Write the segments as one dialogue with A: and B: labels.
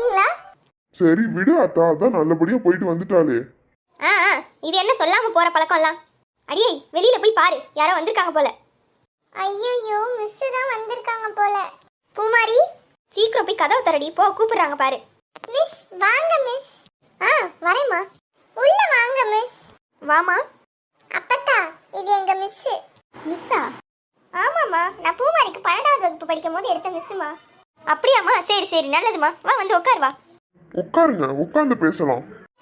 A: இருக்கீங்களா?
B: சரி விடு அத்தா, அதான் நல்லபடியா போயிட்டு வந்துட்டாளே.
A: இது என்ன சொல்லாம போற பழக்கம்லாம்? அடியே வெளியில போய் பாரு, யாரோ வந்திருக்காங்க போல. ஐயோ, மிஸ் தான் வந்திருக்காங்க போல. பூமாரி, சீக்கிரம் போய் கதவை தரடி, போ, கூப்பிடுறாங்க பாரு. மிஸ் வாங்க மிஸ். வரேம்மா. உள்ள வாங்க மிஸ். வாமா. அப்பத்தா, இது எங்க மிஸ். மிஸ்ஸா? ஆமாம்மா, நான் பூமாரிக்கு 12வது வகுப்பு படிக்கும் போது எடுத்த மிஸ்ஸுமா. அப்படியாம்மா? சரி சரி, நல்லதுமா. வா வந்து உட்கார் வா.
B: உட்காருங்க, உட்கார்ந்து பேசலாம்.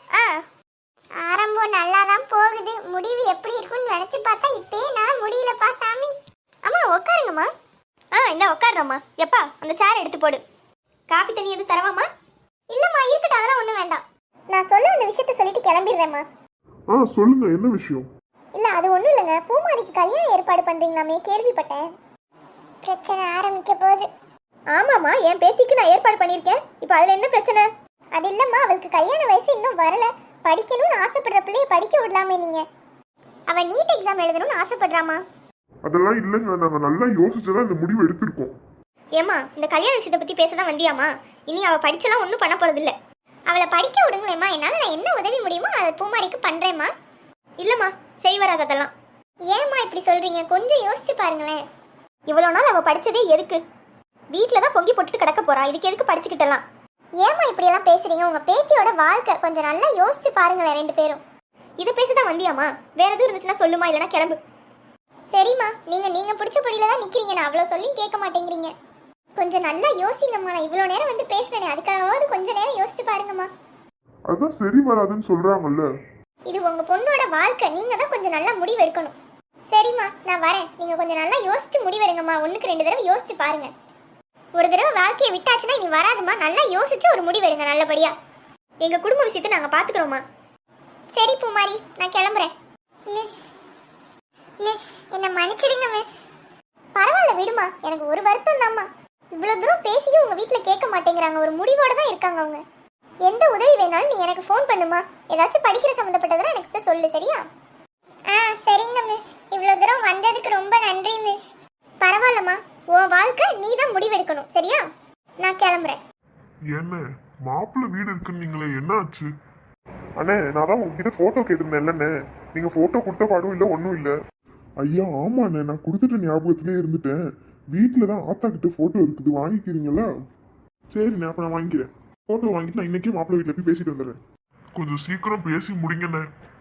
A: ஆரம்பம் நல்லா தான் போகுது, முடிவு எப்படி இருக்குன்னு நினைச்சு பார்த்தா இப்பயே நான் முடியலப்பா சாமி. அம்மா உட்காருங்கம்மா. இந்த உட்காருறம்மா. எப்பா அந்த சேர் எடுத்து போடு. காப்பி தண்ணி எதுவும் தரவாம்மா? இல்லம்மா இருக்கட்டும், அதெல்லாம் ஒன்றும் வேண்டாம். நான் சொல்ல வந்த விஷயத்த சொல்லிட்டு கிளம்பிடுறேம்மா.
B: சொல்லுங்க, என்ன விஷயம்?
A: இல்லை அது ஒன்றும் இல்லைங்க, பூமாரிக்கு கல்யாணம் ஏற்பாடு பண்ணுறீங்களாமே, கேள்விப்பட்டேன். பிரச்சனை ஆரம்பிக்க போகுது. ஆமாம்மா, என் பேத்திக்கு நான் ஏற்பாடு பண்ணியிருக்கேன். இப்போ அதில் என்ன பிரச்சனை? அது இல்லைம்மா, அவளுக்கு கல்யாண வயசு இன்னும் வரல. படிக்கணும்னு ஆசைப்படுற பிள்ளைய படிக்க விடலாமே நீங்க. அவன் நீட் எக்ஸாம் எழுதணும்னு ஆசைப்படுறாமா.
B: அதெல்லாம் இல்லைங்க, நாங்கள் நல்லா யோசிச்சுதான் இந்த முடிவு எடுத்திருக்கோம்.
A: ஏமா, இந்த கல்யாண விஷயத்தை பற்றி பேச தான் வந்தியாமா? இனி அவள் படிச்செல்லாம் ஒன்றும் பண்ண போகிறது இல்லை. அவளை படிக்க விடுங்களேம்மா, என்னால் நான் என்ன உதவி முடியுமோ அதை பூமாரிக்கு பண்ணுறேம்மா. இல்லைம்மா, செய்வராது அதெல்லாம். ஏம்மா இப்படி சொல்கிறீங்க? கொஞ்சம் யோசிச்சு பாருங்களேன். இவ்வளோ நாள் அவள் படித்ததே எதுக்கு? வீட்டில் தான் பொங்கி போட்டுட்டு கிடக்க போறா, இதுக்கு எதுக்கு படிச்சுக்கிட்டலாம்? ஏம்மா இப்படியெல்லாம் பேசுறீங்க? உங்கள் பேத்தியோட வாழ்க்கை கொஞ்சம் நல்லா யோசிச்சு பாருங்களேன் ரெண்டு பேரும். இதை பேசதான் வந்தியாமா? வேற எதுவும் இருந்துச்சுன்னா சொல்லுமா, இல்லைன்னா கிளம்பு. சரிம்மா, நீங்கள் பிடிச்ச படியில தான் நிற்கிறீங்க, நான் அவ்வளோ சொல்லியும் கேட்க மாட்டேங்கிறீங்க. கொஞ்சம் நல்லா யோசிங்கம்மா. நான் இவ்வளோ நேரம் வந்து பேசுறேனே, அதுக்காகவாவது கொஞ்சம் நேரம் யோசிச்சு பாருங்கம்மா.
B: அதான் சரி வராதுன்னு சொல்றாங்கல்ல.
A: இது உங்க பொண்ணோட வாழ்க்கை, நீங்க தான் கொஞ்சம் நல்லா முடிவு எடுக்கணும். சரிம்மா, நான் வரேன். நீங்க கொஞ்சம் நல்லா யோசிச்சு முடிவெடுங்கம்மா. 1க்கு 2 தடவை யோசிச்சு பாருங்க. ஒரு தடவை வாழ்க்கையை விட்டாச்சுன்னா இனி வராதுமா. நல்லா யோசிச்சு ஒரு முடிவெடுங்க நல்லபடியா. எங்க குடும்ப விஷயத்தை நாங்க பாத்துக்கிறோமா. சரி பூமாரி, நான் கிளம்புறேன். மிஸ் என்ன மன்னிச்சிடுங்க மிஸ். பரவாயில்ல விடுமா, எனக்கு ஒரு வருத்தம் தான்மா. இவ்வளவு தூரம் பேசியும் உங்க வீட்டுல கேட்க மாட்டேங்கிறாங்க. ஒரு முடிவோட தான் இருக்காங்க அவங்க. எந்த உதவி வேணாலும் நீ எனக்கு ஃபோன் பண்ணுமா. ஏதாச்சும் படிக்கிற சம்மந்தப்பட்டதுன்னா எனக்கு சொல்லு, சரியா? சரிங்க மிஸ். இவ்வளவு தூரம் வந்ததுக்கு ரொம்ப நன்றி மிஸ். பரவாயில்லம்மா, உன் வாழ்க்கை நீ தான் முடிவெடுக்கணும், சரியா? நான் கிளம்புறேன்.
B: என்ன மாப்பிள்ளை வீடு இருக்குன்னு நீங்களே, என்ன ஆச்சு? அண்ணே, நான் தான் உங்ககிட்ட போட்டோ கேட்டிருந்தேன்லண்ணே, நீங்க போட்டோ கொடுத்த பாடும் இல்லை, ஒன்றும் இல்லை. ஐயா ஆமாண்ணே, நான் கொடுத்துட்ட ஞாபகத்திலே இருந்துட்டேன். வீட்டில் தான் ஆத்தா கிட்ட போட்டோ இருக்குது, வாங்கிக்கிறீங்களா? சரிண்ணே, அப்போ நான் வாங்கிக்கிறேன். போட்டோ வாங்கிட்டு நான் இன்னைக்கே மாப்பிள்ளை வீட்டில் போய் பேசிட்டு வந்துடுறேன். கொஞ்சம் சீக்கிரம் பேசி முடிங்கண்ணே.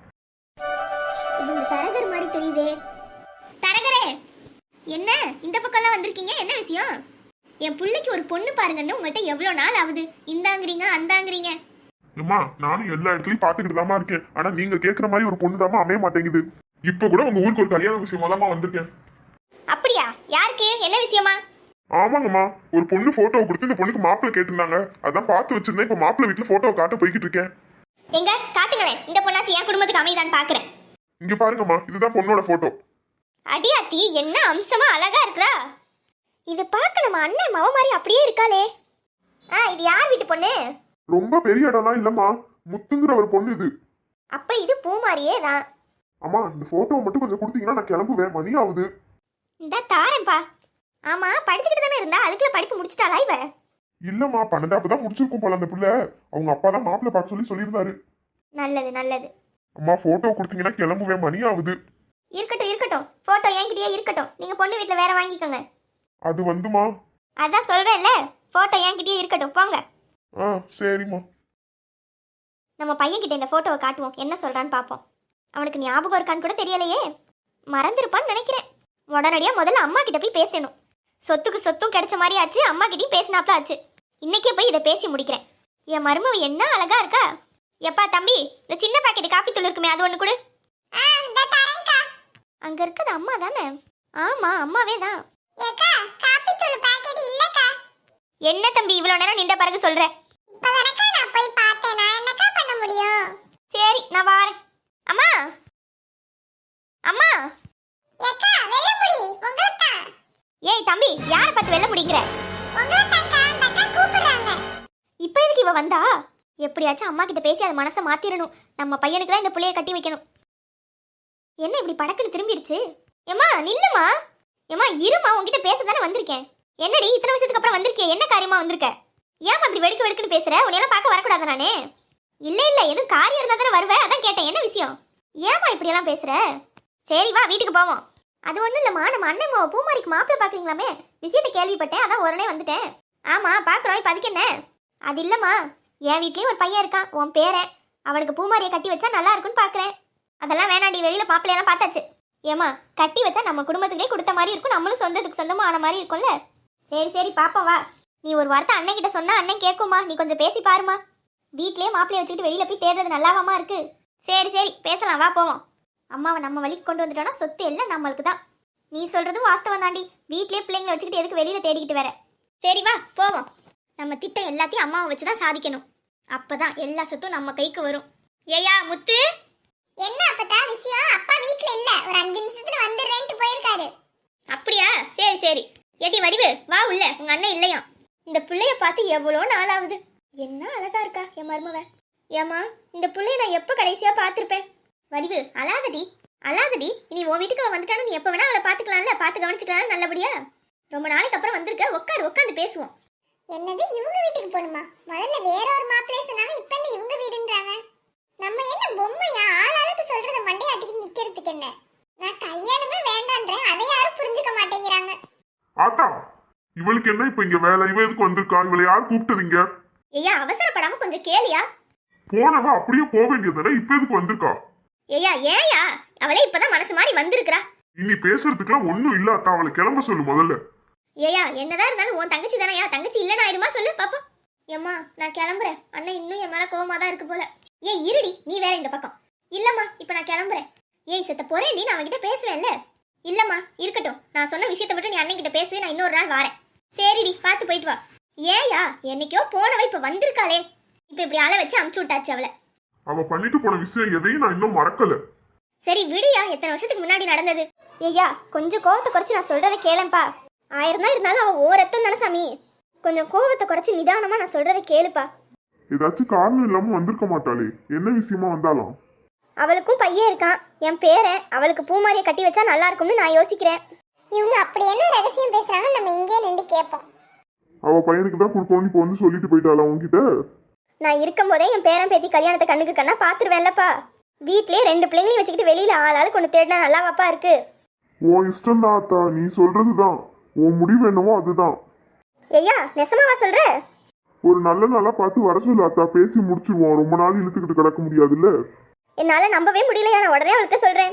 A: இது தரகர் மாதிரி தெரியுதே. தரகரே, என்ன இந்த பக்கம்லாம் வந்திருக்கீங்க? என்ன விஷயம்? என் பிள்ளைக்கு ஒரு பொண்ணு பாருங்கன்னு உங்கள்கிட்ட எவ்வளோ நாள் ஆகுது. இந்தாங்கிறீங்க அந்தாங்கிறீங்க.
B: அம்மா, நானும் எல்லா இடத்துலயும் பாத்துக்கிட்டு தாமா இருக்கேன். ஆனா நீங்க கேக்குற மாதிரி ஒரு பொண்ணு தாமா அமைய மாட்டேங்குது. இப்ப கூட உங்க ஊருக்கு ஒரு கல்யாண விஷயமா தாமா வந்திருக்கேன்.
A: அப்படியா? யாருக்கு? என்ன விஷயமா?
B: ஆமாங்கம்மா, ஒரு பொண்ணு போட்டோவை கொடுத்து இந்த பொண்ணுக்கு மாப்பிள்ளை கேட்டிருந்தாங்க. அதான் பார்த்து வச்சிருந்தேன். இப்ப மாப்பிள்ளை வீட்டுல போட்டோவை காட்ட போய்கிட்டு இருக்கேன்.
A: எங்க காட்டுங்களேன், இந்த பொண்ணாச்சு என் குடும்பத்துக்கு அமைதான் பாக்குறேன்.
B: இங்க பாருங்கம்மா, இதுதான் பொண்ணோட போட்டோ.
A: அடியாத்தி, என்ன அம்சமா அழகா இருக்கா. இது பார்க்க நம்ம அண்ணன் மவ மாதிரி அப்படியே இருக்காளே. இது யார் வீட்டு பொண்ணு?
B: ரொம்ப பெரிய இடம்லாம் இல்லம்மா, முத்துங்கிற ஒரு பொண்ணு இது.
A: அப்ப இது பூமாரியே தான்.
B: அம்மா, இந்த போட்டோவை மட்டும் கொஞ்சம் கொடுத்தீங்கன்னா நான் கிளம்புவேன், மணி ஆகுது.
A: இந்த தாரேன்பா. ஆமா, படிச்சுக்கிட்டு தானே இருந்தா, அதுக்குள்ள படிப்பு முடிச்சிட்டாளா இவ?
B: இல்லம்மா, 12வது தான் முடிச்சிருக்கும் போல அந்த பிள்ளை. அவங்க அப்பா தான் மாப்பிள்ளை பார்க்க சொல்லியிருந்தாரு.
A: நல்லது நல்லது.
B: அம்மா, போட்டோ கொடுத்தீங்கன்னா கிளம்புவேன், மணி ஆகுது.
A: இருக்கட்டும் இருக்கட்டும், போட்டோ என்கிட்டயே இருக்கட்டும். நீங்க பொண்ணு வீட்டுல வேற வாங்கிக்கோங்க.
B: அது வந்துமா?
A: அதான் சொல்றேன்ல, போட்டோ என்கிட்டயே இருக்கட்டும், போங்க.
B: சரிம்மா.
A: நம்ம பையன்கிட்ட இந்த போட்டோவை காட்டுவோம், என்ன சொல்றான்னு பாப்போம். அவனுக்கு ஞாபகம் இருக்கான்னு கூட தெரியலையே, மறந்துருப்பான்னு நினைக்கிறேன். உடனடியா முதல்ல அம்மா கிட்ட போய் பேசணும். சொத்துக்கு சொத்தும் கிடைச்ச மாதிரி ஆச்சு, அம்மா கிட்டயும் பேசினாப்ல ஆச்சு. இன்னைக்கே போய் இதை பேசி முடிக்கிறேன். என் மருமவ என்ன அழகா இருக்கா. எப்பா தம்பி, இந்த சின்ன பாக்கெட் காப்பி தூள் இருக்குமே, அது ஒண்ணு கொடு. அங்க இருக்குது அம்மா தானே? ஆமா, அம்மாவே தான். என்ன தம்பி இவ்வளவு நேரம் நின்ற பிறகு சொல்ற? சரி, நான் வாரேன். அம்மா அம்மா. ஏய் தம்பி, யாரை பார்த்து வெல்ல முடிக்கிற? இப்ப எதுக்கு இவ வந்தா? எப்படியாச்சும் அம்மா கிட்ட பேசி அதை மனசை மாத்திரணும். நம்ம பையனுக்கு தான் இந்த புள்ளைய கட்டி வைக்கணும். என்ன இப்படி படக்குன்னு திரும்பிடுச்சு? ஏமா நில்லுமா. ஏமா இருமா, உன்கிட்ட பேச தானே வந்திருக்கேன். என்னடி இத்தனை வருஷத்துக்கு அப்புறம் வந்திருக்கே, என்ன காரியமா வந்திருக்க? ஏமா இப்படி வெடுக்கு வெடுக்குன்னு பேசுற? உன்னையெல்லாம் பார்க்க வரக்கூடாது நானே. இல்ல இல்ல, எதுவும் காரியம் இருந்தா தானே வருவேன், அதான் கேட்டேன். என்ன விஷயம்? ஏமா இப்படியெல்லாம் பேசுற? சரி வா வீட்டுக்கு போவோம். அது ஒன்றும் இல்லைம்மா, நம்ம அண்ணன் பூமாரிக்கு மாப்பிள்ளை பார்க்குறீங்களாமே, விஷயத்தை கேள்விப்பட்டேன், அதான் உடனே வந்துட்டேன். ஆமாம் பார்க்குறோம், இப்போ அதுக்கு என்ன? அது இல்லைம்மா, என் வீட்லேயும் ஒரு பையன் இருக்கான், உன் பேரன். அவனுக்கு பூமாரியை கட்டி வச்சா நல்லா இருக்குன்னு பார்க்குறேன். அதெல்லாம் வேணாண்டி, வெளியில் மாப்பிள்ளையெல்லாம் பார்த்தாச்சு. ஏம்மா கட்டி வச்சா நம்ம குடும்பத்துக்கே கொடுத்த மாதிரி இருக்கும், நம்மளும் சொந்தத்துக்கு சொந்தமாக ஆன மாதிரி இருக்கும்ல. சரி சரி பாப்பா வா. நீ ஒரு வார்த்தை அண்ணன் கிட்ட சொன்னா அண்ணன் கேட்குமா? நீ கொஞ்சம் பேசி பாருமா. வீட்லயே மாப்பிள்ளைய வச்சுக்கிட்டு வெளியில போய் தேடுறது நல்லாவாமா இருக்கு? சரி சரி பேசலாம், வா போவோம். அம்மாவை நம்ம வழிக்கு கொண்டு வந்துட்டோம்னா சொத்து எல்லாம் நம்மளுக்கு தான். நீ சொல்றதும் வாஸ்தவம் தாண்டி. வீட்லயே பிள்ளைங்களை வச்சுக்கிட்டு எதுக்கு வெளியில தேடிக்கிட்டு வர? சரி வா போவோம். நம்ம திட்டம் எல்லாத்தையும் அம்மாவை வச்சுதான் சாதிக்கணும். அப்பதான் எல்லா சொத்தும் நம்ம கைக்கு வரும். ஏயா முத்து,
C: என்ன அப்பதா விஷயம்? அப்பா வீட்ல இல்ல, ஒரு 5 நிமிஷத்துல வந்துடுறேன்ட்டு போயிருக்காரு.
A: அப்படியா? சரி சரி. ஏடி வடிவு வா உள்ள, உங்க அண்ணன் இல்லையா? இந்த பிள்ளைய பார்த்து எவ்வளோ நாளாகுது. என்ன அழகா இருக்கா என் மருமவ. ஏமா இந்த பிள்ளைய நான் எப்போ கடைசியா பார்த்துருப்பேன்? வடிவு அழாதடி அழாதடி. இனி உன் வீட்டுக்கு அவன் வந்துட்டாலும் நீ எப்போ வேணா அவளை பார்த்துக்கலாம்ல, பார்த்து கவனிச்சுக்கலாம் நல்லபடியா. ரொம்ப நாளைக்கு அப்புறம் வந்திருக்க, உட்காந்து பேசுவோம்.
C: என்னது இவங்க வீட்டுக்கு போணுமா? முதல்ல வேற ஒரு மாப்பிள்ளை சொன்னாங்க, இப்ப என்ன இவங்க வீடுன்றாங்க? நம்ம என்ன பொம்மையா? ஆளாளுக்கு சொல்றத மண்டையாட்டிக்கு நிக்கிறதுக்கு என்ன? நான் கல்யாணமே வேண்டான்றேன், அதை யாரும் புரிஞ்சுக்க மாட்டேங்கிறாங்க.
B: ஆத்தா, இவளுக்கு என்ன இப்ப இங்க வேலை? இவ எதுக்கு வந்திருக்கா? இவளை யார் கூப்பிட்டதுங்க?
A: ஐயா அவசரப்படாம கொஞ்சம் கேளியா.
B: போனவ அப்படியே போக வேண்டியதானே, இப்ப எதுக்கு வந்திருக்கா?
A: ஐயா ஏயா, அவளே இப்பதான் மனசு மாதிரி வந்திருக்கிறா.
B: இனி பேசுறதுக்குலாம் ஒண்ணும் இல்ல அத்தா, அவளை கிளம்ப சொல்லு முதல்ல.
A: ஏயா என்னதான் இருந்தாலும் உன் தங்கச்சி தானே, தங்கச்சி இல்லைன்னு ஆயிடுமா சொல்லு பாப்போம். ஏம்மா நான் கிளம்புறேன், அண்ணன் இன்னும் என் மேல கோவமா தான் இருக்கு போல. ஏய் இருடி, நீ வேற இந்த பக்கம். இல்லம்மா இப்ப நான் கிளம்புறேன். ஏய் செத்த போறேன், நான் அவன்கிட்ட பேசுவேன்ல. இல்லம்மா இருக்கட்டும், நான் சொன்ன விஷயத்தை மட்டும் நீ அண்ணன் கிட்ட பேசு, நான் இன்னொரு நாள் வரேன். சரிடி பார்த்து போயிட்டு வா. ஏயா என்னைக்கோ போனவ இப்ப வந்திருக்காளே, இப்ப இப்படி அழ வச்சு அமுச்சு விட்டாச்சு அவளை.
B: அவ பண்ணிட்டு போன விஷயம் எதையும் நான் இன்னும் மறக்கல.
A: சரி விடியா, எத்தனை வருஷத்துக்கு முன்னாடி நடந்தது. ஐயா கொஞ்சம் கோவத்தை குறைச்சு நான் சொல்றதை கேளப்பா. 1000 தான் இருந்தாலும் அவ ஓரத்தம் தானே சாமி. கொஞ்சம் கோவத்தை குறைச்சு நிதானமா நான் சொல்றதை கேளுப்பா.
B: ஏதாச்சும் காரணம் இல்லாம வந்திருக்க மாட்டாளே, என்ன விஷயமா வந்தாலும்?
A: அவளுக்கும் பையன் இருக்கான், என் பேரன். அவளுக்கு பூமாரியை கட்டி வச்சா நல்லா இருக்கும்னு நான் யோசிக்கிறேன்.
C: இவங்க அப்படி என்ன ரகசியம் பேசுறாங்க, நம்ம இங்கே நின்று கேட்போம்.
B: அவ பையனுக்கு தான் கொடுக்கணும் இப்ப வந்து சொல்லிட்டு போயிட்டாளா உன்கிட்ட?
A: நான் இருக்கும் போதே என் பேரன் பேத்தி கல்யாணத்தை கண்ணுக்கு கண்ணா பாத்துருவேன்லப்பா. வீட்லயே 2 பிள்ளைங்களையும் வச்சுக்கிட்டு வெளியில ஆளாளுக்கு ஒன்று தேடினா நல்லாவாப்பா இருக்கு.
B: உன் இஷ்டம் தான் அத்தா, நீ சொல்றதுதான். உன் முடிவு என்னவோ அதுதான்.
A: ஐயா நெசமாவா சொல்ற?
B: ஒரு நல்ல நாளா பார்த்து வர சொல்லு அத்தா, பேசி முடிச்சிருவோம். ரொம்ப நாள் இழுத்துக்கிட்டு கிடக்க முடியாதுல்ல.
A: என்னால நம்பவே முடியலையா, நான் உடனே அவள்கிட்ட சொல்றேன்.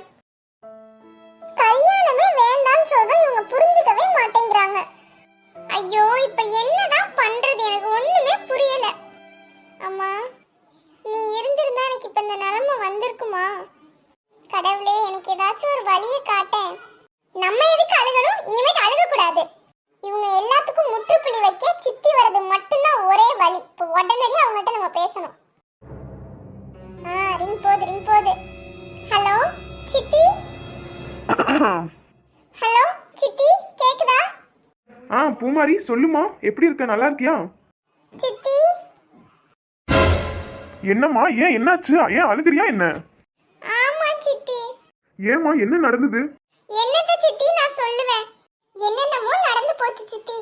C: கல்யாணமே வேண்டாம்னு சொல்றோம், இவங்க புரிஞ்சுக்கவே மாட்டேங்கிறாங்க. ஐயோ இப்ப என்னதான் பண்றது, எனக்கு ஒண்ணுமே புரியல. அம்மா நீ இருந்திருந்தா எனக்கு இப்ப இந்த நிலைமை வந்திருக்குமா? கடவுளே எனக்கு ஏதாச்சும் ஒரு வழியை காட்டேன். நம்ம எதுக்கு அழுகணும்? இனிமேட்டு அழுக கூடாது. இவங்க எல்லாத்துக்கும் முற்றுப்புள்ளி வைக்க சித்தி வர்றது மட்டும்தான் ஒரே வழி. இப்போ உடனடியாக அவங்ககிட்ட நம்ம பேசணும். ரிங் போகுது. ஹலோ சித்தி. ஹலோ சித்தி கேக்குதா?
D: பூமாரி சொல்லுமா, எப்படி இருக்க? நல்லா இருக்கியா?
C: சித்தி
D: என்னம்மா, ஏன் என்னாச்சு? ஏன் அழுகுறியா என்ன?
C: ஆமா சித்தி.
D: ஏம்மா என்ன நடந்தது?
C: என்னத்த சித்தி நான் சொல்லுவேன், என்னென்னமோ நடந்து போச்சு சித்தி.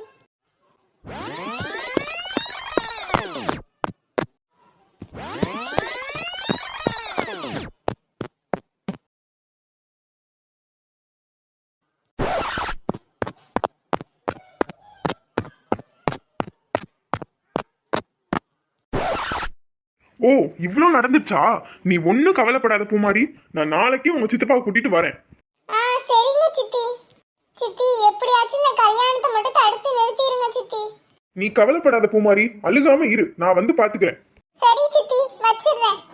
D: ஓ இவ்ளோ நடந்துச்சா? நீ ஒன்னும் கவலைப்படாத பூமாரி, நான் நாளைக்கே உங்க சித்தப்பாவை கூட்டிட்டு வரேன்.
C: சரிங்க சித்தி. சித்தி எப்படியாச்சும் இந்த கல்யாணத்தை மட்டும் தடுத்து நிறுத்திடுங்க சித்தி.
D: நீ கவலைப்படாத பூமாரி, அழுகாம இரு, நான் வந்து பாத்துக்கிறேன்.
C: சரி சித்தி, வச்சிடுறேன்.